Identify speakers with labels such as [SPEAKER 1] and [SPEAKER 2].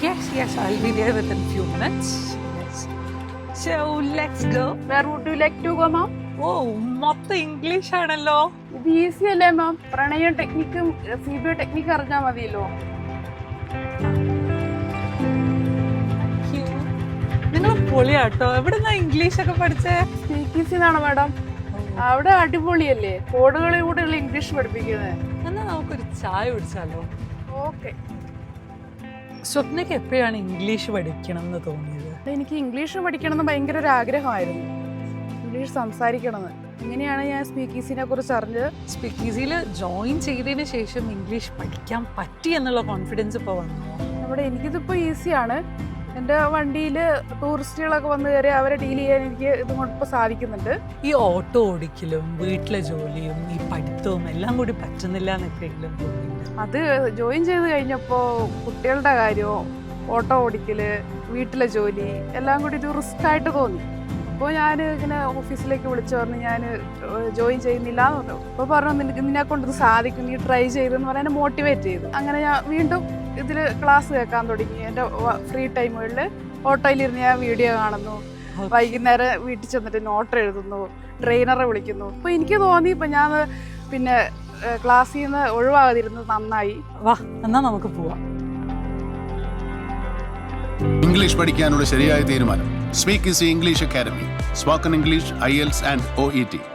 [SPEAKER 1] Yes, I'll be there within few minutes. Yes. So, let's go.
[SPEAKER 2] Where would you like to go, ma'am?
[SPEAKER 1] Oh, മൊത്തം English ആണല്ലോ.
[SPEAKER 2] ഇത് easy അല്ലേ മാം? പ്രണയം ടെക്നിക്കും CBA technique അറിഞ്ഞാൽ മതിയല്ലോ.
[SPEAKER 1] നിങ്ങൾ പൊളിയാട്ടോ. എവിടുന്നാ ഇംഗ്ലീഷ് ഒക്കെ പഠിച്ചേ?
[SPEAKER 2] സ്പീക്കീസിന്നാണ് മാഡം. അവിടെ അടിപൊളിയല്ലേ, കോഡുകളിലൂടെയുള്ള ഇംഗ്ലീഷ് പഠിപ്പിക്കുന്നത്.
[SPEAKER 1] എന്നാ നമുക്കൊരു ചായ കുടിച്ചാലോ?
[SPEAKER 2] ഓക്കെ.
[SPEAKER 1] സ്വപ്നയ്ക്ക് എപ്പോഴാണ് ഇംഗ്ലീഷ് പഠിക്കണം എന്ന് തോന്നിയത്?
[SPEAKER 2] എനിക്ക് ഇംഗ്ലീഷ് പഠിക്കണം എന്ന് ഭയങ്കര ഒരു ആഗ്രഹമായിരുന്നു, ഇംഗ്ലീഷ് സംസാരിക്കണമെന്ന്. ഇങ്ങനെയാണ് ഞാൻ സ്പീക്കീസിനെ കുറിച്ച് അറിഞ്ഞത്.
[SPEAKER 1] സ്പീക്കീസിൽ ജോയിൻ ചെയ്തതിന് ശേഷം ഇംഗ്ലീഷ് പഠിക്കാൻ പറ്റി എന്നുള്ള കോൺഫിഡൻസ് ഇപ്പോൾ വന്നു.
[SPEAKER 2] എനിക്കിതിപ്പോൾ ഈസിയാണ്. എൻ്റെ വണ്ടിയിൽ ടൂറിസ്റ്റുകളൊക്കെ വന്ന് കയറി അവരെ ഡീൽ ചെയ്യാൻ എനിക്ക് ഇതുകൊണ്ട് ഇപ്പോൾ സാധിക്കുന്നുണ്ട്.
[SPEAKER 1] ഈ ഓട്ടോ ഓടിക്കലും വീട്ടിലെ ജോലിയും ഈ പഠിത്തവും എല്ലാം കൂടി പറ്റുന്നില്ല എന്ന് എപ്പോഴെങ്കിലും തോന്നിയില്ല?
[SPEAKER 2] അത് ജോയിൻ ചെയ്ത് കഴിഞ്ഞപ്പോൾ കുട്ടികളുടെ കാര്യവും ഓട്ടോ ഓടിക്കൽ വീട്ടിലെ ജോലി എല്ലാം കൂടി ഒരു റിസ്ക് ആയിട്ട് തോന്നി. അപ്പോൾ ഞാൻ ഇങ്ങനെ ഓഫീസിലേക്ക് വിളിച്ചു പറഞ്ഞ് ഞാൻ ജോയിൻ ചെയ്യുന്നില്ല എന്ന് പറഞ്ഞു. അപ്പോൾ പറഞ്ഞു നിന്നെ കൊണ്ട് ഇത് സാധിക്കും, നീ ട്രൈ ചെയ്തെന്ന് പറഞ്ഞാൽ എന്നെ മോട്ടിവേറ്റ് ചെയ്തു. അങ്ങനെ ഞാൻ വീണ്ടും ഇതിൽ ക്ലാസ് കേൾക്കാൻ തുടങ്ങി. എൻ്റെ ഫ്രീ ടൈമുകളിൽ ഓട്ടോയിലിരുന്ന് ഞാൻ വീഡിയോ കാണുന്നു, വൈകുന്നേരം വീട്ടിൽ ചെന്നിട്ട് നോട്ട് എഴുതുന്നു, ട്രെയിനറെ വിളിക്കുന്നു. അപ്പോൾ എനിക്ക് തോന്നി ഇപ്പം ഞാൻ പിന്നെ ക്ലാസ്സിൽ നിന്ന് ഒഴിവാകാതിരുന്നത് നന്നായി.
[SPEAKER 1] വാ എന്നാ നമുക്ക് പോവാം.
[SPEAKER 3] ഇംഗ്ലീഷ് പഠിക്കാനുള്ള ശരിയായ തീരുമാനം speak easy English academy. Spoken English, IELTS and OET.